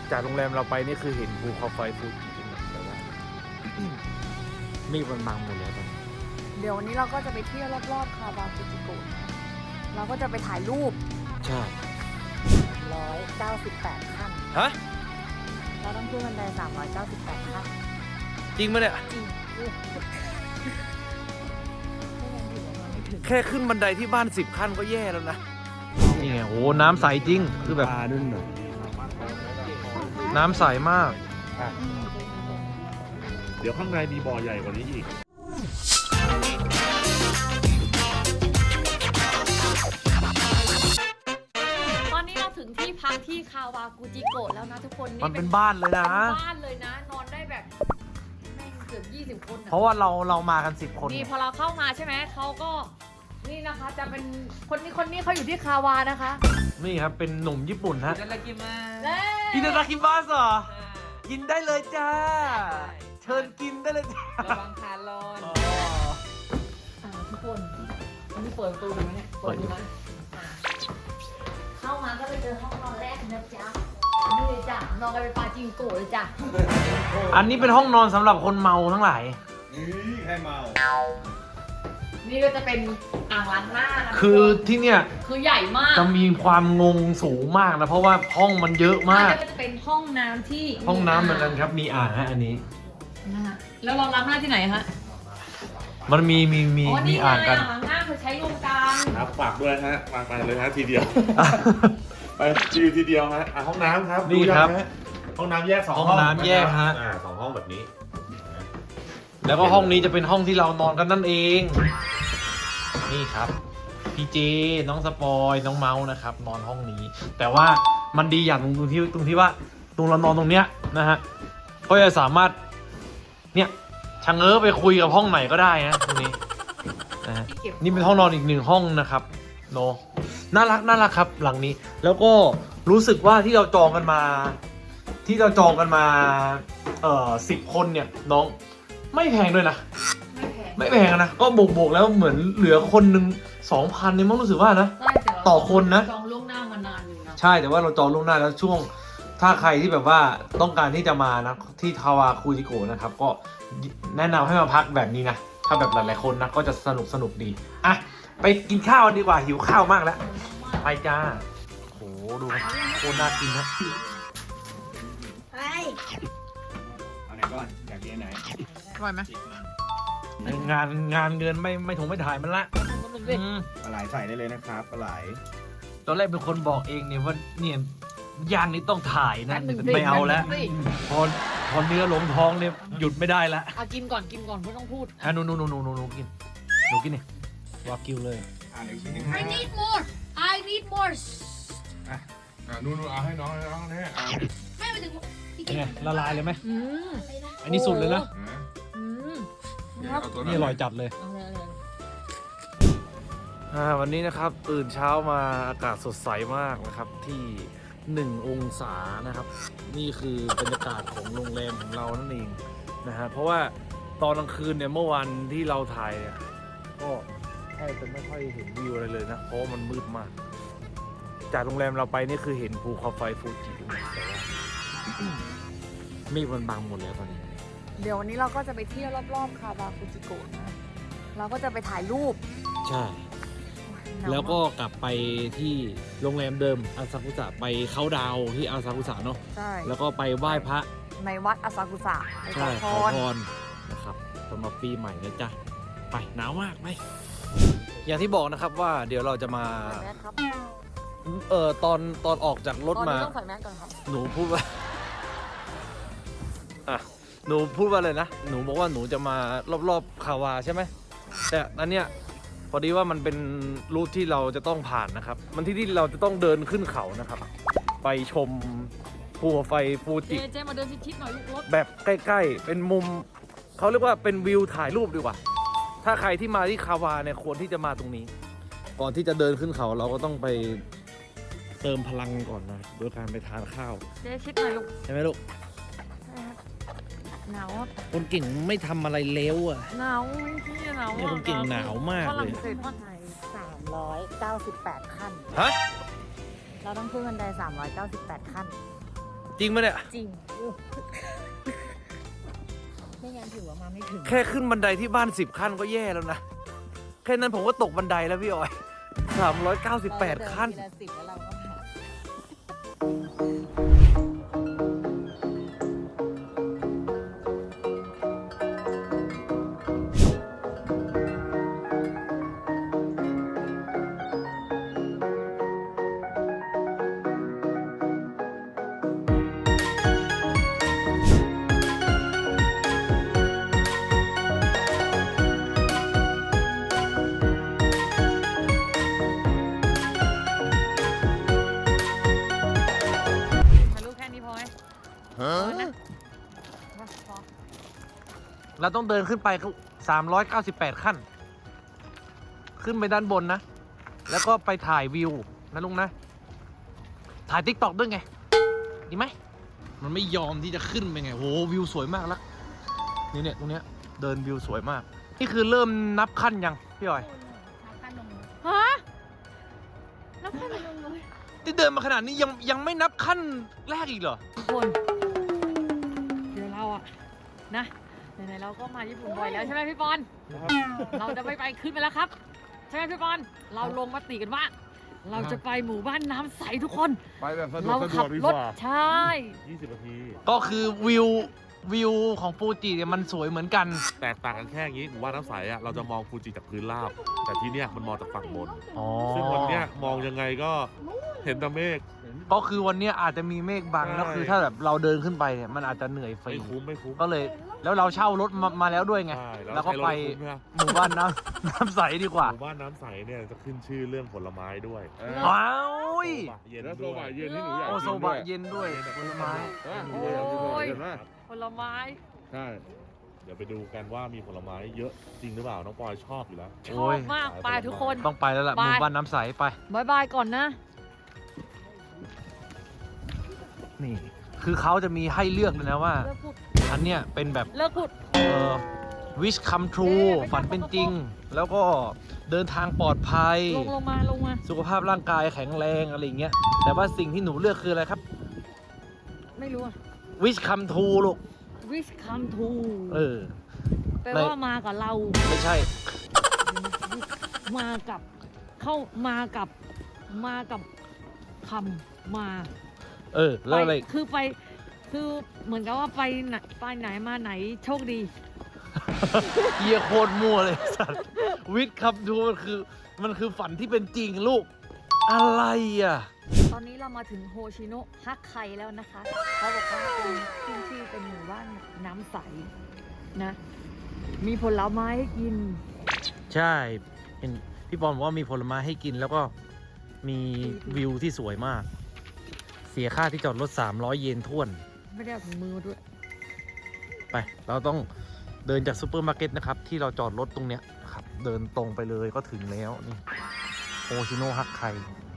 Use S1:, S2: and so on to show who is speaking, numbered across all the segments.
S1: จากโรงแรมเราไปนี่คือเห็นภูเขาไฟฟูจิจริงๆแต่ว่ามีมันบังหมดแล้วตอนนี้
S2: เดี๋ยววันนี้เราก็จะไปเที่ยวรอบๆคาวากุจิโกะเราก็จะไปถ่ายรูป
S1: ใช่
S2: 198 ขั้น
S1: ฮะ
S2: เราต้องขึ้นบันได398 ขั้น
S1: จริงไหมเนี่ย
S2: จริง
S1: แค่ขึ้นบันไดที่บ้าน10 ขั้นก็แย่แล้วนะนี่ไงโอ้น้ำใสจริงคือแบบน้ำใสมาก
S3: เดี๋ยวข้างในมีบ่อใหญ่กว่านี้อีก
S2: ตอนนี้เราถึงที่พักที่คาวากุจิโกะแล้วนะทุกคน
S1: มันเป็นบ้านเลยนะ
S2: เป็นบ้านเลยนะนอนได้แบบแม่งเกือบ20 คน
S1: เพราะว่าเรามากัน10 คน
S2: นี่พอเราเข้ามาใช่ไหมเขาก็นี่นะคะจะเป็นคนนี้เขาอยู่ที่คาวานะคะ
S1: นี่ครับเป็นหนุ่มญี่ปุ่นฮะ
S4: いただきます。
S1: อินเดราคิบัสเหรอกินได้เลยจ้าเชิญกินได้เลยจ้า
S4: ระวังคาร์ลอน
S2: ทุกคนวันนี้เปิดประตูดูไหมเนี่ยเปิดดูนะเข้ามาก็ไปเจอห้องนอนแรกนะจ๊ะนี่เลยจ้ะนอนกันเป็นปาจิงโกะเลยจ้ะ
S1: อันนี้เป็นห้องนอนสำหรับคนเมาทั้งหลาย
S3: นี่ใครเมา
S2: นี่ก็จะเป็นอ่างล้างหน้านะ
S1: คือที่เนี่ย
S2: คือใหญ่มาก
S1: จะมีความงงสูงมากนะเพราะว่าห้องมันเยอะมาก
S2: อันนี้ก็จะเป็นห้องน้ำที่
S1: ห้องน้ำเหมือนกันครับมีอ่างฮะอันนี้
S2: นะคะแล้วเราล้างหน้าที่ไหนฮะ
S1: มันมี
S2: อ๋อนี่ไง
S1: อ่างกัน
S2: อ่างล้างหน้าคือใช้รวมกัน
S3: ครับฝากด้วยฮะวางไปเลยฮะทีเดียว ไปทีเดียวฮะห้องน้ำครับ
S1: นี่ครับ
S3: ดูยังฮะห้องน้ำแยก2 ห้อง
S1: ห้องน้ำแยกฮะ
S3: 2 ห้องแบบนี้
S1: แล้วก็ห้องนี้จะเป็นห้องที่เรานอนกันนั่นเอง นี่ครับพี่เจน้องสปอยน้องเมาส์นะครับนอนห้องนี้ แต่ว่ามันดีอย่างตรงที่ว่าตรงเรานอนตรงเนี้ยนะฮะก็จะสามารถเนี่ยชะเง้อไปคุยกับห้องไหนก็ได้นะตรงนี้นะฮะนี่เป็นห้องนอนอีก1 ห้องนะครับโนน่ารักครับหลังนี้ แล้วก็รู้สึกว่าที่เราจองกันมา10 คนเนี่ยน้องไม่แพงด้วยนะไม่แพงนะก็บวกแล้วเหมือนเหลือคนหนึ่ง 2,000เนี่ยมั้งรู้สึกว่านะต่อคนนะ
S2: จองล่วงหน้ามานานอยู่นะ
S1: ใช่แต่ว่าเราจองล่วงหน้าแล้วช่วงถ้าใครที่แบบว่าต้องการที่จะมานะที่คาวาคุจิโกะนะครับก็แนะนำให้มาพักแบบนี้นะถ้าแบบหลายๆคนนะก็จะสนุกดีอ่ะไปกินข้าวดีกว่าหิวข้าวมากแล้วไปจ้าโหดูครับโคตรน่ากินนะ
S2: ไป
S3: เอาไหนก่อนอยากกินไหน
S2: อร่อยไหม
S1: งานเงินไม่ถงไม่ถ่ายมันละอืม
S3: ปลาไหลใส่ได้เลยนะครับปลาไหล
S1: ตอนแรกเป็นคนบอกเองเนี่ยว่าเนี่ยย่างนี้ต้องถ่ายนะไม่เอาแล้วพอเนื้อลงท้องเนี่ยหยุดไม่ได้ละ
S2: เอากินก่อนไม่ต้องพูด
S1: อ่ะหนูกินนี่วากิวเลย
S3: อีกชิ้นนึง
S2: I need more I need more
S3: นู่นเอาให้น้องเนี่ย
S2: ไม่ไปถึง
S1: เป็นไงละลายเลยไหม
S2: อืม
S1: อันนี้สุดเลยนะ
S2: อืม
S1: นี่อร่อยจัดเลย
S2: เอาเลย
S1: วันนี้นะครับตื่นเช้ามาอากาศสดใสมากนะครับที่1 องศานะครับนี่คือบรรยากาศของโรงแรมของเรานั่นเองนะฮะเพราะว่าตอนกลางคืนเนี่ยเมื่อวันที่เราถ่ายเนี่ยก็แทบจะไม่ค่อยเห็นวิวอะไรเลยนะเพราะมันมืดมากจากโรงแรมเราไปนี่คือเห็นภูเขาไฟฟูจิแต่ว่าเมฆมันบังหมดแล้วตอนนี้
S2: เดี๋ยววันนี้เราก็จะไปเที่ยวรอบๆคาวากุจิโกะนะเราก็จะไปถ่ายรูป
S1: ใช่แล้วก็กลับไปที่โรงแรมเดิมอาซากุสะไปเขาดาวที่อาซากุสะเนาะ
S2: ใช่
S1: แล้วก็ไปไหว้พระ
S2: ในวัดอาซากุสะไปข
S1: ใช่
S2: อ
S1: ข
S2: พ
S1: อ
S2: ร
S1: พรนะครับสำหรับปีใหม่นะจ๊ะไปหนาวมากไปอย่างที่บอกนะครับว่าเดี๋ยวเราจะมา
S2: ใส่แมสครับ
S1: ตอนออกจากรถ
S2: ตอน
S1: มา
S2: นี้ต้องใส่แมสก่อนครับ
S1: หนูพูดว่าหนูพูดว่าอะไรนะหนูบอกว่าหนูจะมารอบๆคาวาใช่ไหมแต่อันเนี้ยพอดีว่ามันเป็นรูทที่เราจะต้องผ่านนะครับมันที่เราจะต้องเดินขึ้นเขานะครับ ไปชมภูเขาไฟฟูจิ
S2: เจมาเดินชิดๆหน่อยลูกรถ
S1: แบบใกล้ๆเป็นมุมเขาเรียกว่าเป็นวิวถ่ายรูปดีกว่าถ้าใครที่มาที่คาวาเนี่ยควรที่จะมาตรงนี้ ก่อนที่จะเดินขึ้นเขาเราก็ต้องไปเติมพลังก่อนนะโดยการไปทานข้าว
S2: เจชิดหน่อยลูก
S1: ใช่ไหมลูก
S2: หนาว
S1: คนเก่งไม่ทำอะไรเลวอ่ะ
S2: หนาวพี่หนาว
S1: เนี่ยคนเก่งหนาวมากเลย
S2: ฝรั่งเศสว่าไทย398 ขั้น
S1: ฮะ
S2: เราต้องขึ้นบันได398 ขั้น
S1: จริงไหมเนี่ย
S2: จริง ไม่งั้นถือว่ามาไม่ถึง
S1: แค่ขึ้นบันไดที่บ้าน10 ขั้นก็แย่แล้วนะ แค่นั้นผมก็ตกบันไดแล้วพี่ออย398 ขั้น
S2: เราเดิทีละ10แล้วเราก็ผ่าน ถ่ายรูปแค่นี้พอไหมพอนะพอ
S1: เราต้องเดินขึ้นไป398 ขั้น ขึ้นไปด้านบนนะ แล้วก็ไปถ่ายวิวนะลุงนะ ถ่าย TikTok ด้วยไง ดีไหม มันไม่ยอมที่จะขึ้นไปไงโหวิวสวยมากแล้วนี่เนี่ยตรงเนี้ยเดินวิวสวยมาก นี่คือเริ่มนับขั้นยังพี่ออย
S2: ฮะนับขั้นลงเลย
S1: ที่เดินมาขนาดนี้ยังไม่นับขั้นแรกอีกเหรอ
S2: ทุกคน เดี๋ยวเราอะนะไหนๆเราก็มาญี่ปุ่นบ่อยแล้วใช่ไหมพี่ปอน เราจะไปขึ้นไปแล้วครับ ใช่ไหมพี่ปอน เราลงมติกันว่า เราจะไปหมู่บ้านน้ำใสทุกคน
S3: ไปแบบสะดว
S2: เรา
S3: กสะด
S2: ขั
S3: วกดี
S2: ร
S3: ก
S2: ถ
S3: ว่า
S2: ใช่
S3: 20 นาที
S1: ก็คือวิวของฟูจิเนี่ยมันสวยเหมือนกัน
S3: แตกต่างกันแค่อย่างนี้หมู่บ้านน้ำใสอะเราจะมองฟูจิจากพื้นราบ แต่ที่เนี้ยมันมองจากฝั่งบน
S1: อ๋อ
S3: ซึ่งวันเนี้ยมองยังไงก็เห็นแต่เมฆ
S1: ก็คือวันเนี้ยอาจจะมีเมฆบัง
S3: ใช่
S1: แล้วคือถ้าแบบเราเดินขึ้นไปเนี่ยมันอาจจะเหนื่อยฟรี
S3: ไม่คุ้ม
S1: ก็เลยแล้วเราเช่ารถมาแล้วด้วยไง
S3: ใช่
S1: แล้วก็
S3: ใช้รถ
S1: ไป
S3: คุ้มนะ
S1: หมู่บ้านน้ำ น้ำใสดีกว่า
S3: หมู่บ้านน้ำใสเนี่ยจะขึ้นชื่อเรื่องผลไม้ด้วย
S1: ว้าว
S3: เย็น
S4: แล้วโซ
S3: ด้วย
S4: บะเย็นที่หนูอยาก
S1: โอ
S4: กิน
S1: โซ
S4: ด้
S1: บะ
S4: วย
S1: เย็นด้วยผลไม้
S4: หนูอยากกินโซบะเย็นมาก
S2: ผลไม้
S4: ใช่
S3: เดี๋ยวไปดูกันว่ามีผลไม้เยอะจริงหรือเปล่า น้องปอยชอบอยู่แล้ว
S2: ชอบมากไปทุกคน
S1: ต้องไปแล้วล่ะ
S2: ไป
S1: หมู่บ้านน้ำใสไป
S2: บายบายก่อนนะ
S1: นี่ คือเขาจะมีให้เลือกเลยนะว่า
S2: เลิกพูด
S1: อันเนี้ยเป็นแบบ
S2: เลิกพูด
S1: wish come true ฝันเป็นจริง แล้วก็เดินทางปลอดภัย
S2: ลงมา
S1: สุขภาพร่างกายแข็งแรงอะไรอย่างเงี้ย แต่ว่าสิ่งที่หนูเลือกคืออะไรครับ
S2: ไม่รู้อะ
S1: wish come true ลูก
S2: wish come true แปลว่ามากับเรา
S1: ไม่ใช่
S2: มากับคำมา
S1: แล้วอะไร
S2: คือเหมือนกับว่าไปไหนมาไหนโชคดี
S1: เฮียโคตรมั่วเลยสัตว์ wish come true มันคือฝันที่เป็นจริงลูก อะไรอ่ะ
S2: ตอนนี้เรามาถึงโฮชิโนะฮักไคแล้วนะคะ เขาบอกว่าเป็นขึ้นชื่อเป็นหมู่บ้านน้ำใสนะ มีผลไม้ให้กิน
S1: ใช่เห็นพี่บอลบอกว่ามีผลไม้ให้กินแล้วก็มีวิวที่สวยมาก เสียค่าที่จอดรถ300 เยนท้วน
S2: ไม่ได้เอาถุงมือมาด้วย
S1: ไป เราต้องเดินจากซูเปอร์มาร์เก็ตนะครับ ที่เราจอดรถตรงเนี้ยนะครับ เดินตรงไปเลยก็ถึงแล้วนี่โอชิโนะฮักไค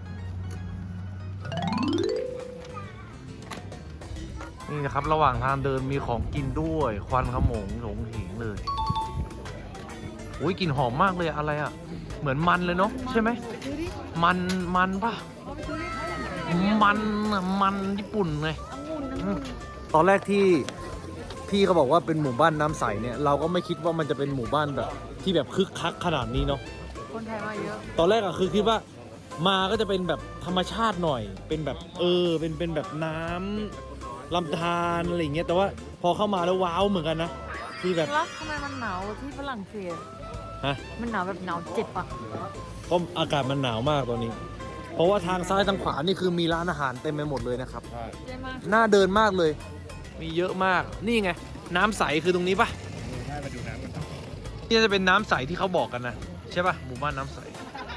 S1: นี่นะครับ ระหว่างทางเดินมีของกินด้วย ควันขโมงโหงหิงเลยอุ้ยกลิ่นหอมมากเลยอะไรอ่ะ เหมือนมันเลยเนาะใช่ไหม
S2: ซื้อดิ
S1: มันปะ
S2: เอาไปซื้อดิ
S1: มันญี่ปุ่นไง
S2: องุ่น
S1: ตอนแรกที่พี่เขาบอกว่าเป็นหมู่บ้านน้ำใสเนี่ยเราก็ไม่คิดว่ามันจะเป็นหมู่บ้านแบบที่แบบคึกคักขนาดนี้เนาะ
S2: คนไทยมาเยอะ
S1: ตอนแรกอะคือคิดว่ามาก็จะเป็นแบบธรรมชาติหน่อย เป็นแบบเป็นแบบน้ำลำธารอะไรอย่างเงี้ยแต่ว่าพอเข้ามาแล้วว้าวเหมือนกันนะที่แบบ
S2: แล้วทำไมมันหนาวที่ฝรั่งเศส
S1: ฮะ
S2: มันหนาวแบบหนาวเจ็บอ่ะ
S1: เพราะอากาศมันหนาวมากตอนนี้ เพราะว่าทางซ้ายทางขวานี่คือมีร้านอาหารเต็มไปหมดเลยนะครับ
S2: ใช่ไหม
S1: น่าเดินมากเลย มีเยอะมาก นี่ไง น้ำใสคือตรงนี้ปะ
S4: ใช่มาดูน้ำกัน
S1: นี่จะเป็นน้ำใสที่เขาบอกกันนะ ใช่ปะหมู่บ้านน้ำใส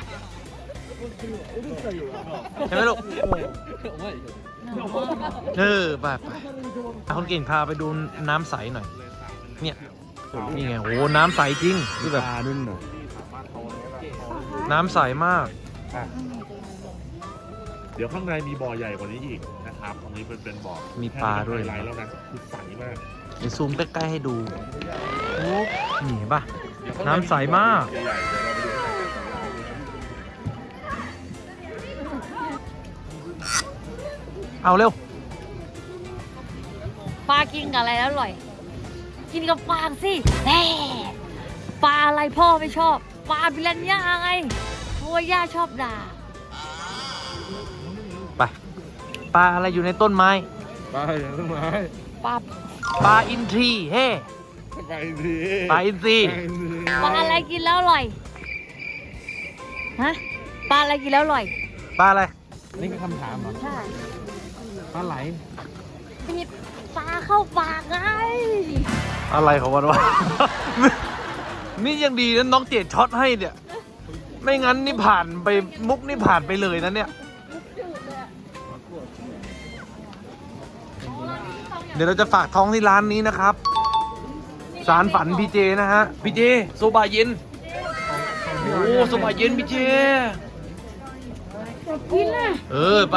S1: ใช่ไหมลูก ไปคนเก่งพาไปดูน้ำใสหน่อย เนี่ย นี่ไง โอ้น้ำใสจริงคือแบบ
S4: ปลาด้วยหน่อย
S1: น้ำใสมาก
S3: เดี๋ยวข้างในมีบ่อใหญ่กว่านี้อีกนะครับตรงนี้เป็นบ่อ
S1: มีปลาด้วย
S3: ไฮไลท์แล้วนะคือใสมาก
S1: เดี๋ยวซูมใกล้ๆให้ดูโอ้นี่เห็นปะ
S3: เดี๋ยวข้ง
S1: น้ำใสมาก
S3: ใหญ่ๆเดี๋ยวเราไปดูข้างในกัน
S1: เอาเร็ว
S2: ปลากินกับอะไรแล้วอร่อย กินกับฟางสิแน่ปลาอะไรพ่อไม่ชอบ ปลาปิรันย่าไงเพราะว่าย่าชอบด่า
S1: ไปปลาอะไรอยู่ในต้นไม้
S4: ไปอย่างต้นไม้
S2: ปลา
S1: ปลาอินทรีเฮ้
S4: ไปสิ
S1: ปลาอินทรี
S2: ปลาอะไรกินแล้วอร่อย ฮะ ปลาอะไรกินแล้วอร่อย
S1: ปลาอะไร
S4: นี่คือคำถามเหรอ
S2: ใช่
S4: ปลาไหล
S2: ปิดปลาเข้าปากไง
S1: อะไรของมันวะ นี่ยังดีนะน้องเจดช็อตให้เนี่ย ไม่งั้นนี่ผ่านไปมุกนี่ผ่านไปเลยนะเนี่ย เดี๋ยวเราจะฝากท้องที่ร้านนี้นะครับ สารฝันพี่เจนะฮะ พี่เจโซบะเย็น โอ้โซบะเย็นพี่เจ
S2: กินนะ
S1: ไป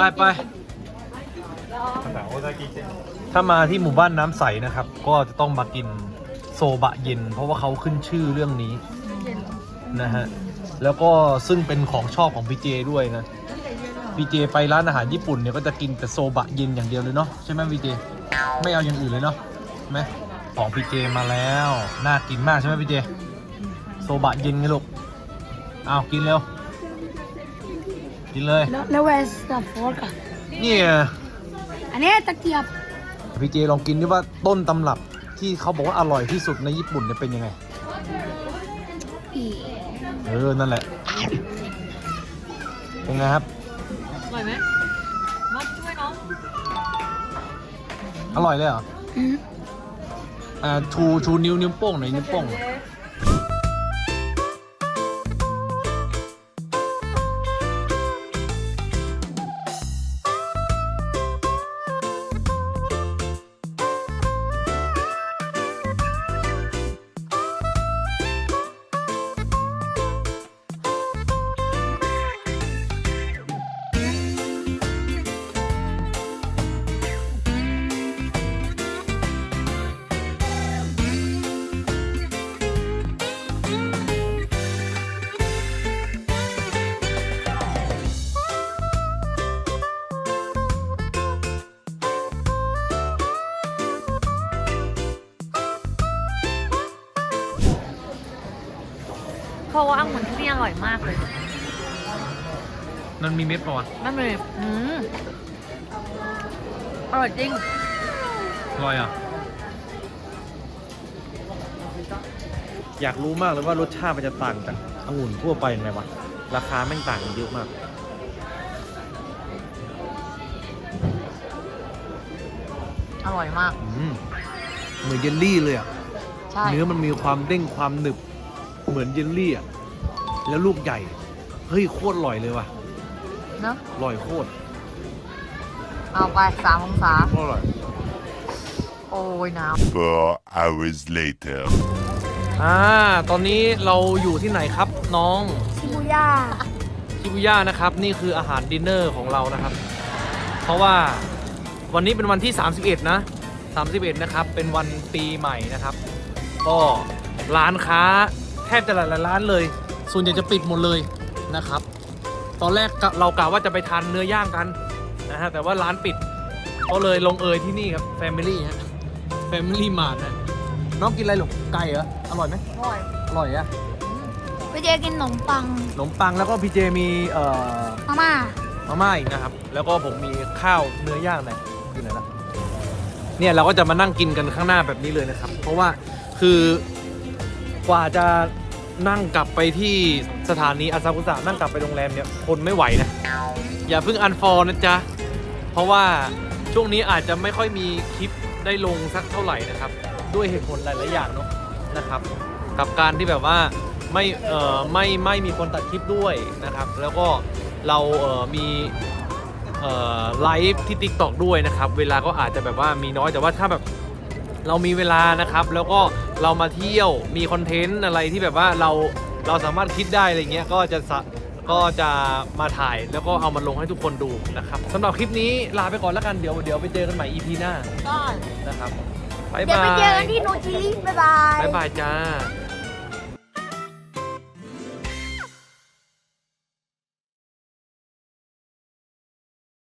S1: ถ้ามาที่หมู่บ้านน้ำใสนะครับ ก็จะต้องมากินโซบะเย็น เพราะว่าเขาขึ้นชื่อเรื่องนี้นะฮะ แล้วก็ซึ่งเป็นของชอบของพี่เจด้วยนะ พี่เจไปร้านอาหารญี่ปุ่นเนี่ยก็จะกินแต่โซบะเย็นอย่างเดียวเลยเนาะใช่ไหมพี่เจ ไม่เอาอย่างอื่นเลยเนาะใช่ไหมของพี่เจมาแล้ว น่ากินมากใช่ไหมพี่เจ โซบะเย็นไงลูกเอากินเร็ว กินเลย
S5: แล้วเวสกับโฟร์กอะ
S1: นี่ไง
S5: อันนี้ตะเกียบ
S1: พี่เจลองกินดิว่าต้นตำรับที่เขาบอกว่าอร่อยที่สุดในญี่ปุ่นเนี่ยเป็นยังไง
S5: อี
S1: นั่นแหละ เป็นไงครับ
S2: อร่อยไหมมาช่วยน้อง
S1: อร่อยเลยเหรอ
S5: อืม
S1: ชูนิ้วโป้งหน่อยนิ้วโป้ง
S2: เพราะว่าองุ่นที่นี่อร่อยมากเลย
S1: มันมีเม็ดป่ะวะ
S2: นั่นเลยอร่อยจริง
S1: อร่อยอ่ะ อยากรู้มากเลยว่ารสชาติมันจะต่างจากองุ่นทั่วไปยังไงวะ ราคาแม่งต่างกันเยอะมาก
S2: อร่อยมาก
S1: เหมือนเยลลี่เลยอ่ะ
S2: ใช่
S1: เนื้อมันมีความเด้งความหนึบ เหมือนเยลลี่อ่ะ แล้วลูกใหญ่ เฮ้ยโคตรอร่อยเลยว่ะ
S2: เนอะ
S1: อร่อยโคตร
S2: เอาไป3 องศา
S1: โคตรอร่อย
S2: โอ้ยหนาว
S6: 4 hours later.
S1: ตอนนี้เราอยู่ที่ไหนครับน้อง
S5: ชิบูย่า
S1: ชิบุย่านะครับ นี่คืออาหารดินเนอร์ของเรานะครับ เพราะว่าวันนี้เป็นวันที่ 31 นะ 31 นะครับ เป็นวันปีใหม่นะครับ ก็ร้านค้าแทบจะหลายๆร้านเลย ส่วนใหญ่จะปิดหมดเลยนะครับ ตอนแรกเรากะว่าจะไปทานเนื้อย่างกันนะฮะ แต่ว่าร้านปิด ก็เลยลงเอยที่นี่ครับ Family ฮะ Family Mart นะน้องกินอะไรหรอไก่เหรอ อร่อยไหม
S2: อร่อย
S1: อร่อยอะ
S5: ไปเจกินขนมปัง
S1: ขนมปังแล้วก็พี่เจมี
S5: มาม่า
S1: มาม่าอีกนะครับ แล้วก็ผมมีข้าวเนื้อย่างนะอยู่ไหนล่ะเนี่ยเราก็จะมานั่งกินกันข้างหน้าแบบนี้เลยนะครับ เพราะว่าคือกว่าจะนั่งกลับไปที่สถานีอาซากุสะนั่งกลับไปโรงแรมเนี่ยคนไม่ไหวนะ อย่าเพิ่งอันฟอร์นะจ๊ะ เพราะว่าช่วงนี้อาจจะไม่ค่อยมีคลิปได้ลงสักเท่าไหร่นะครับ ด้วยเหตุผลหลายๆอย่างเนาะนะครับ กับการที่แบบว่าไม่มีคนตัดคลิปด้วยนะครับ แล้วก็เรามีไลฟ์ที่ TikTok ด้วยนะครับ เวลาก็อาจจะแบบว่ามีน้อยแต่ว่าถ้าแบบเรามีเวลานะครับ แล้วก็เรามาเที่ยวมีคอนเทนต์อะไรที่แบบว่าเราสามารถคิดได้อะไรเงี้ยก็จะมาถ่ายแล้วก็เอามาลงให้ทุกคนดูนะครับสำหรับคลิปนี้ลาไปก่อนแล้วกันเดี๋ยวไปเจอกันใหม่ EP หน้า
S2: ได้
S1: นะครับบ๊าย
S5: เดี๋ยว
S1: บา
S5: ไป
S1: ย
S5: เจอกันที่โนชิลิบ๊ายบาย
S1: บ๊ายบายจ้า